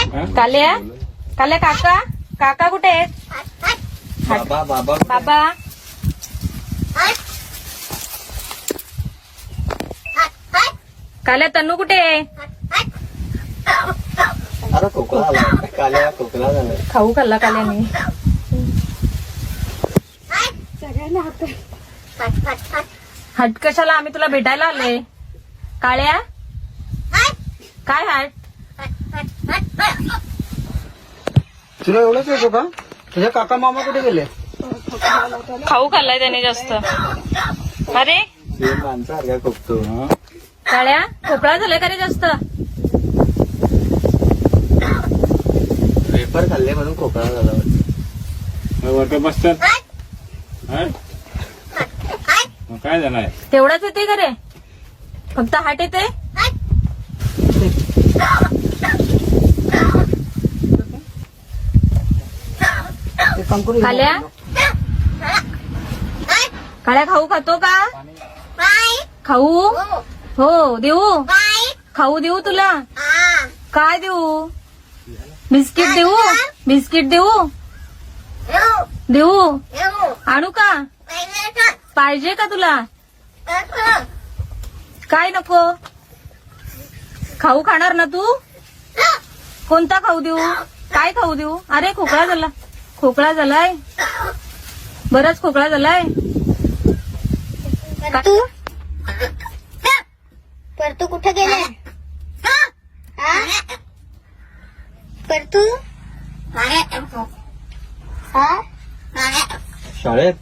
काल्या काल्या काका काका कुठे आहेत? बाबा बाबा बाबा काल्या तन्नू कुठे आहे? अरे खोकला आला काल्या खोकला झाला. खाऊ खाल्ला काल्याने. हट कशाला? आम्ही तुला भेटायला आलोय. काळ्या काय हट? तुला एवढंच येतो का? तुझ्या काका मामा कुठे गेले? खाऊ खाल्लाय त्याने जास्त. अरे सेम माणसासारखा खोकतो. काळ्या खोकळा झालाय का रे जास्त? पेपर खाल्ले म्हणून खोकला झाला. वरती बसतात काय झालंय? तेवढाच येते का रे? फक्त हाट येते? काल्या काळ्या खाऊ खातो का? खाऊ हो देऊ. खाऊ देऊ तुला? काय देऊ? बिस्किट देऊ? बिस्किट देऊ? देऊ? आणू का? पाहिजे का तुला? काय नको? खाऊ खाणार ना तू? कोणता खाऊ देऊ? काय खाऊ देऊ? अरे खोकळा झाला. खोकळा झालाय. बराच खोकळा झालाय. परतू कुठे गेले? परतू शाळेत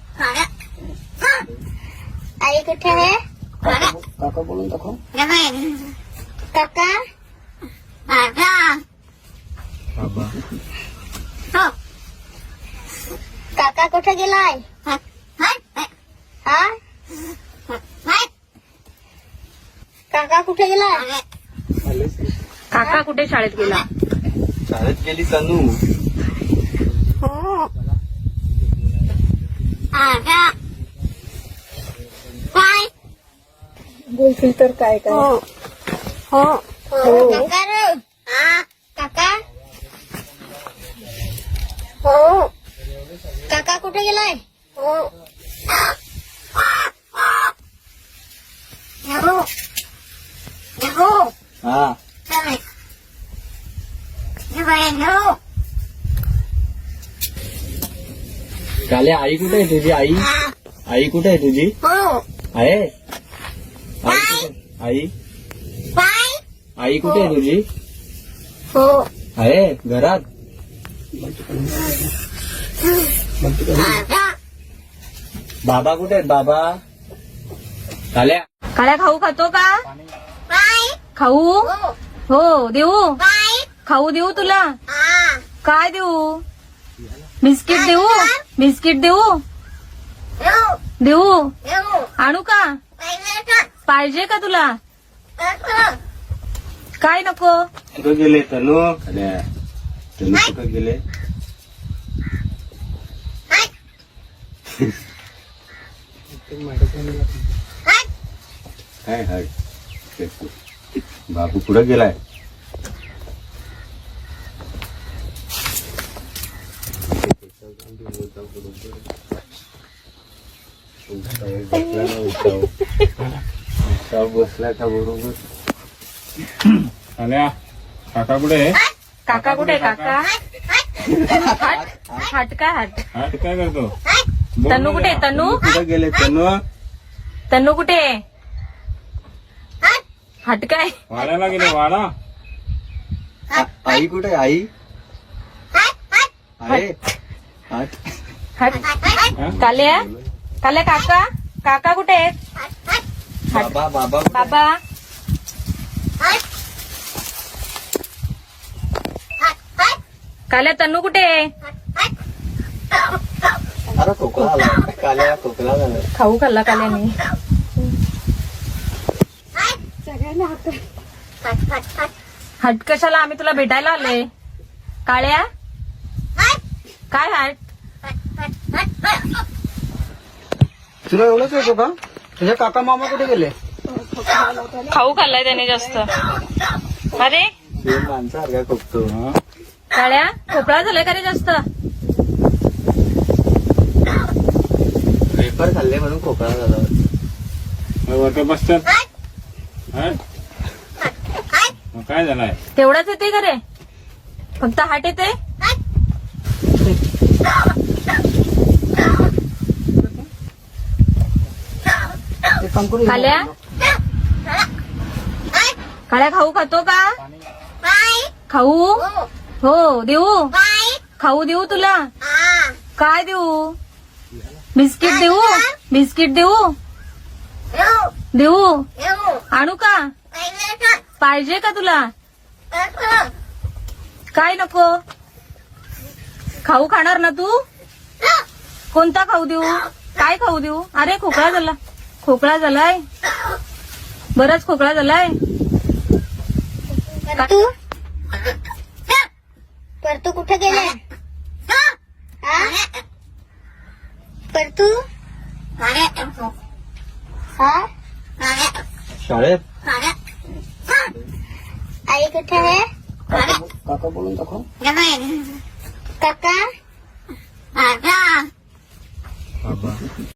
आई कुठे आहे? काका बोलून दाखव. काका काका कुठे गेलाय? हा काका कुठे गेलाय? काका कुठे शाळेत गेला? शाळेत गेली तनू. बोलशील तर काय काय? हो काका रे. काका हो काका कुठे गेलाय? हा काल्या आई कुठे आहे तुझी? आई आई कुठे आहे तुझी? आहे आई कुठे? आई आई कुठे आहे तुझी? आहे घरात. बाबा कुठे आहेत? बाबा काल्या काळ्या खाऊ खातो का? खाऊ हो देऊ? खाऊ देऊ तुला? काय देऊ? बिस्किट देऊ? बिस्किट देऊ? देऊ? आणू का? पाहिजे का तुला? काय नको? कुठं गेले तनू? तनू कुठं गेले? काय हाय बाबू कुठं गेलाय? बसला का बरोबर? आल्या काका कुठे आहे? काका कुठे आहे? काका हट हट काय हट? हात काय करतो? तन्नू कुठे आहे? तन्नू कुठं गेले तनू? तन्नू कुठे आहे? हट काय? वाड्याला गेले वाडा. आई कुठे? आई आहे हट काल्या काल्या काका काका कुठे आहेत? बाबा बाबा बाबा काल्या तन्नू कुठे आहे? अरे खोकला आला काल्या खोकला झाला. खाऊ खाल्ला काल्याने. हट कशाला? आम्ही तुला भेटायला आलोय. काळ्या काय हट? तुला एवढंच येतो का? तुझ्या काका मामा कुठे गेले? खाऊ खाल्लाय त्याने जास्त. अरे माणसासारखा खोकतो. हा काळ्या खोकळा झालाय का रे जास्त? पेपर खाल्ले म्हणून खोकला झाला. वरती बसतात. हा? मग काय झालंय? तेवढाच येते का रे? फक्त हाट येते? काल्या काळ्या खाऊ खातो का? खाऊ हो देऊ. खाऊ देऊ तुला? काय देऊ? बिस्किट देऊ? बिस्किट देऊ? देऊ? आणू का? पाहिजे का तुला? काय नको? खाऊ खाणार ना तू? कोणता खाऊ देऊ? काय खाऊ देऊ? अरे खोकळा झाला. खोकळा झालाय. बराच खोकळा झालाय. परतू कुठे गेले? परतू हा? शाळेत आई कुठे आहे? काका बोलून दाखव. काका